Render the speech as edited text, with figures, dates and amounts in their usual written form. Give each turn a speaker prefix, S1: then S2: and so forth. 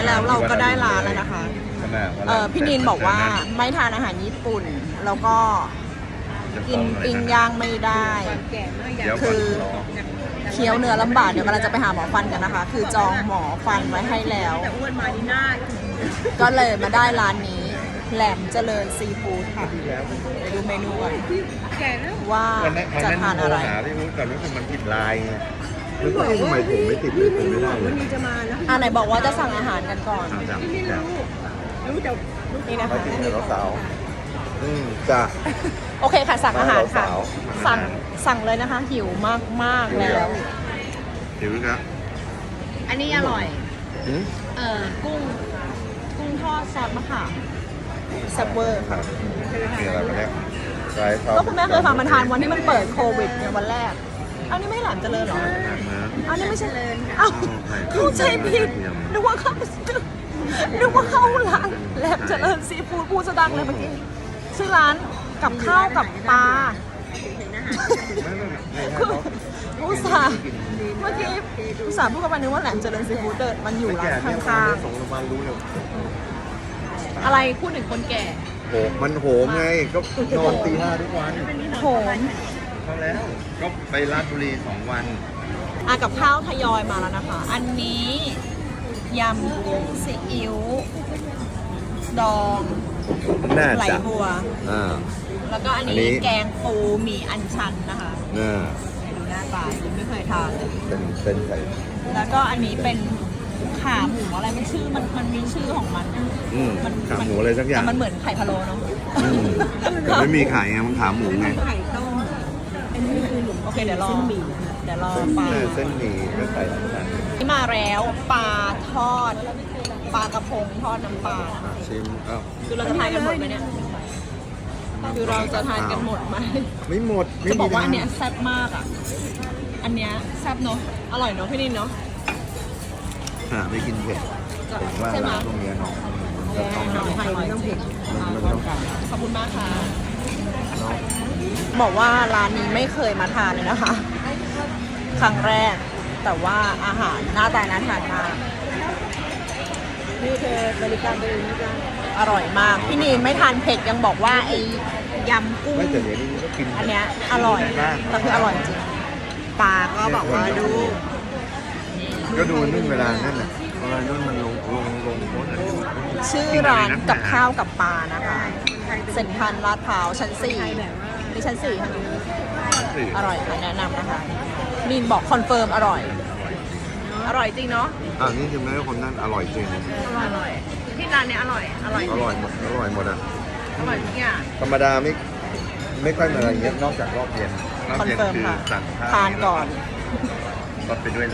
S1: แล้วเราก็ได้ร้านแล้วนะคะ
S2: ใช่ไหม
S1: พี่นินบอกว่าไม่ทานอาหารญี่ปุ่น แล้วก็กินปิ้งย่างไม่ได้ คือเคี้ยวเนื้อลำบากเดี๋ยวกำลังจะไปหาหมอฟันกันนะคะ คือจองหมอฟันไว้ให้แล้ว
S3: แต่อ้วนมานี่หน้า
S1: ก็เลยมาได้ร้านนี้แหลมเจริญซีฟู้ดค่ะไปดูเมนูกัน
S3: แก่แล้ว
S1: ว่า
S2: วันนั้น
S1: จะทานอะไร
S2: หาที่รู้แต่รู้สึกมันผิดลายไงรู้สึกทำไมผมไม่ติดเลยผมไม่ได้เลย
S3: มีจะมาแล้ว
S1: ไหนบอกว่าจะสั่งอาหารกันก่อน
S2: จัง
S3: ไม่รู้แต่
S1: นี่นะ
S2: มา
S1: คะ
S2: กินกับสาวจ้ะ
S1: โอเคค่ะสั่งอาหารค่ะ
S2: สาว
S1: สั่งเลยนะคะ หิวมากๆแล้ว
S2: หิวครับ
S1: อันนี้อร่อย
S2: หืม
S1: กุ้งทอดซอสมะขามแซ่บเวอร์ค่ะ
S2: มีอะไรมาแล้วไรชอบ
S1: ก็คุณแม่เคยพามาทานวันที่มันเปิดโควิดเนี่ยวันแรก อันนี้ไม่หลานเจริญเหรอ อันนี้ไม่ใช่เลยอ้าวเข้าใจผิดนึกว่าเข้าร้านแหลมเจริญซีฟู้ดพูดสะดังเลยเมื่อกี้ชื่อร้านกับข้าวกับปลาคืออุตส่าห์เมื่อกี้อุตส่าห์พูดกับมันนึกว่าแหลมเจริญซีฟู้ดเดินมันอยู่ร้านข้าง
S2: ส่งโรงพยาบาลรู้เลย
S1: ๆอะไรพูดถึงคนแก่
S2: โหมันโหมไงก็นอนตี 5ทุกวัน
S1: โหม
S2: เขาแล้วก็ไปราชบุรี2 วัน
S1: กับข้าวทยอยมาแล้วนะคะ อันนี้ยำกุ้งซีอิ๊วดอง
S2: น่า
S1: ไหล
S2: จะ
S1: บัว แล้วก็อัน
S2: อัน
S1: นี้
S2: นี้
S1: แกงปูหมี่อัญชันนะคะ
S2: น่า
S1: ดูหน้าตายังไม่เคยทานเลย
S2: เป็นเส้นไข่
S1: แล้วก็อันนี้เป็นขาหมูอะไรไม่ชื่อมันมีชื่อของมันอะ
S2: ขาหมูอะไรสักอย่าง
S1: แต่มันเหมือนไข่พะโล้เนาะ
S2: แต่ไม่มีไข่ไงมันขาหมูไง
S3: ไข่ต้มอันนี้คือหลุม
S1: โอเคเดี๋ยวรอปลา
S2: เส้นหมี่ไม่ใส่น้ำตาล
S1: ที่มาแล้วปลาทอดปลากระพงทอดน้ำปลานะคะ
S2: ชิมเอ้า
S1: คือเราจะทานกันหมดไหมเนี่ยคือเราจะทานกันหมดไหม
S2: ไม่หมดไม่
S1: จะบ
S2: มี
S1: อกว่าอัน
S2: ทาง
S1: เนี้ยแซ่บมากอ่ะอันเนี้ยแซ่บเนาะอร่อยเนาะพี่นินเนาะ
S2: ไม่กินเผ็ดผมว่า
S1: ใช่ไหม
S2: ร้านตรงเนี้ยเนาะจะต้อง
S1: ไทยไม่ต้องเผ็ด
S2: มันต้อง
S1: ขอบคุณมากค่ะ
S2: เนาะ
S1: บอกว่าร้านนี้ไม่เคยมาทานเลยนะคะ ครั้งแรก แต่ว่าอาหารหน้าตาน่าทานมาก
S3: นี่เธอบริการตัวเองนะจ๊ะ
S1: อร่อยมาก พี่นีนไม่ทานเผ็ดยังบอกว่าไอ้ยำกุ้ง
S2: ไม่แต่เดี๋ยวนี้ก็กิน
S1: อันเนี้ยอร่อยแต่คืออร่อยจริงปลาก็บอกว่าดู
S2: ก็ดูนุ่นเวลานั่นน่ะเวลานุ่นมันลงโพสต์อะไร
S1: ชื่อร้านกับข้าวกับปลานะคะเซ็นทรัลลาดพร้าวชั้น4นี่ชั้น4ค่ะอร่อยค่ะแนะนำนะคะนีนบอกคอนเฟิร์มอร่อย อร่อยจริงเนาะ
S2: นี่คือแม่คนนั้นอร่อยจริง
S1: อร่อยที่ร้านเนี้ยอร่อย
S2: อร่อยหมดอร่อยหมดอ่ะ
S1: อร่อยทุกอย่าง
S2: ธรรมดาไม่ค่อยมาอะไรเงี้ยนอกจากรอบเย็นรอบ
S1: คอน
S2: เย็น
S1: เฟิร์ม
S2: คือ
S1: ค่ะ
S2: สั่งข้าว
S1: ทานก่อน
S2: ก็ไปด้วย